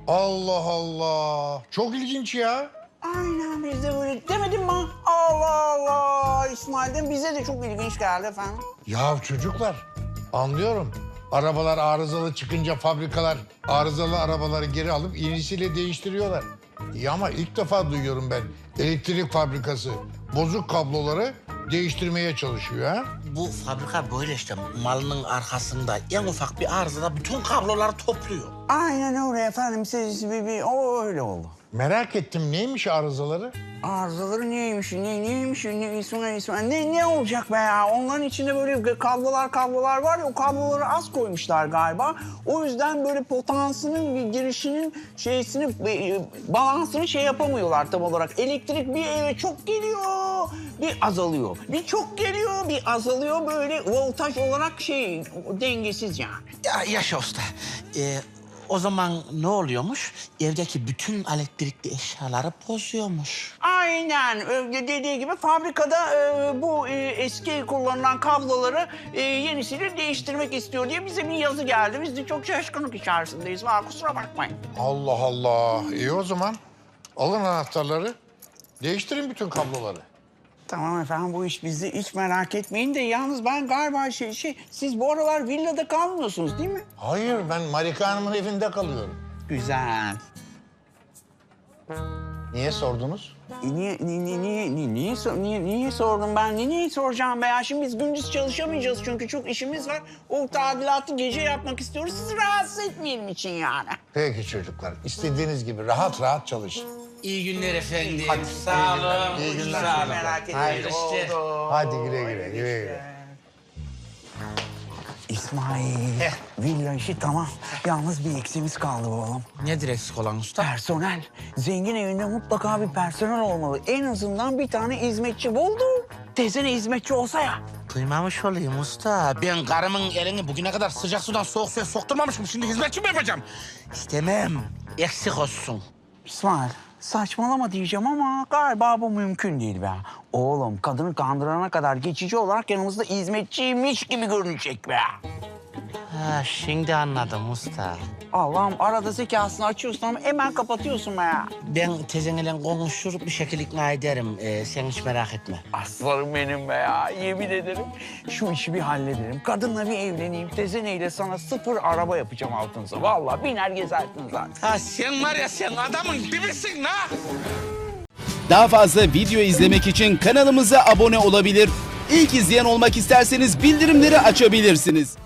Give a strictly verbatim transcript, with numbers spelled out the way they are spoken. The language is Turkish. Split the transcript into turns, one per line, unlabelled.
Allah Allah. Çok ilginç ya.
Aynen biz de böyle demedim mi? Allah Allah. İsmail'den bize de çok ilginç geldi efendim.
Ya çocuklar, anlıyorum. Arabalar arızalı çıkınca fabrikalar arızalı arabaları geri alıp yenisiyle değiştiriyorlar. İyi ama ilk defa duyuyorum ben. Elektrik fabrikası bozuk kabloları değiştirmeye çalışıyor ha.
Bu fabrika böyle işte malının arkasında en ufak bir arızada bütün kabloları topluyor.
Aynen öyle efendim. Siz bir, bir o öyle oldu.
Merak ettim neymiş arızaları?
Arızaları neymiş, ne, neymiş, ne, İsmail, İsmail, ne, ne olacak be ya? Onların içinde böyle kablolar kablolar var ya, o kabloları az koymuşlar galiba. O yüzden böyle potansının bir girişinin şeysini, e, balansını şey yapamıyorlar tam olarak. Elektrik bir eve çok geliyor, bir azalıyor. Bir çok geliyor, bir azalıyor, böyle voltaj olarak şey, dengesiz yani.
Ya yaşa usta. Ee, o zaman ne oluyormuş? Evdeki bütün elektrikli eşyaları bozuyormuş.
Aynen öyle dediği gibi fabrikada e, bu e, eski kullanılan kabloları e, yenisiyle değiştirmek istiyor diye bize bir yazı geldi. Biz de çok şaşkınlık içerisindeyiz. Var kusura bakmayın.
Allah Allah. İyi o zaman. Alın anahtarları. Değiştirin bütün kabloları.
Tamam efendim bu iş bizde hiç merak etmeyin de yalnız ben galiba şey şey siz bu aralar villada kalmıyorsunuz değil mi?
Hayır ben Marika Hanım'ın evinde kalıyorum.
Güzel.
Niye sordunuz?
E, niye, niye, niye, niye, niye, niye, sor- niye, niye sordum ben? Niye, niye soracağım be ya? Şimdi biz gündüz çalışamayacağız çünkü çok işimiz var. O tadilatı gece yapmak istiyoruz. Sizi rahatsız etmeyelim için yani.
Peki çocuklar. İstediğiniz gibi rahat rahat çalışın.
İyi günler efendim.
Hadi,
Sağ
iyi günler,
olun.
iyi günler.
Sağ olun.
Merak etmeyin.
Hayırlı işler.
Oldu.
Hadi güle güle, güle güle.
İsmail, villa işi tamam. Yalnız bir eksiğimiz kaldı oğlum.
Nedir eksik olan usta?
Personel. Zengin evinde mutlaka bir personel olmalı. En azından bir tane hizmetçi buldu. Teyzene hizmetçi olsa ya.
Duymamış olayım usta. Ben karımın elini bugüne kadar sıcak sudan soğuk suya sokturmamışım. Şimdi hizmetçi mi yapacağım? İstemem. Eksik olsun.
İsmail, saçmalama diyeceğim ama galiba bu mümkün değil be. Oğlum, kadını kandırana kadar geçici olarak yanımızda hizmetçiymiş gibi görünecek be.
Ha, şimdi anladım usta.
Allah'ım arada zekasını açıyorsun ama hemen kapatıyorsun be ya.
Ben tezenle konuşur bir şekilde ikna ederim. Ee, sen hiç merak etme.
Aslanım benim be ya, yemin ederim. Şu işi bir hallederim. Kadınla bir evleneyim. Tezeneyle sana sıfır araba yapacağım altınıza. Vallahi biner gezersin zaten.
Ha sen var ya sen adamın dibisin ha.
Daha fazla video izlemek için kanalımıza abone olabilir. İlk izleyen olmak isterseniz bildirimleri açabilirsiniz.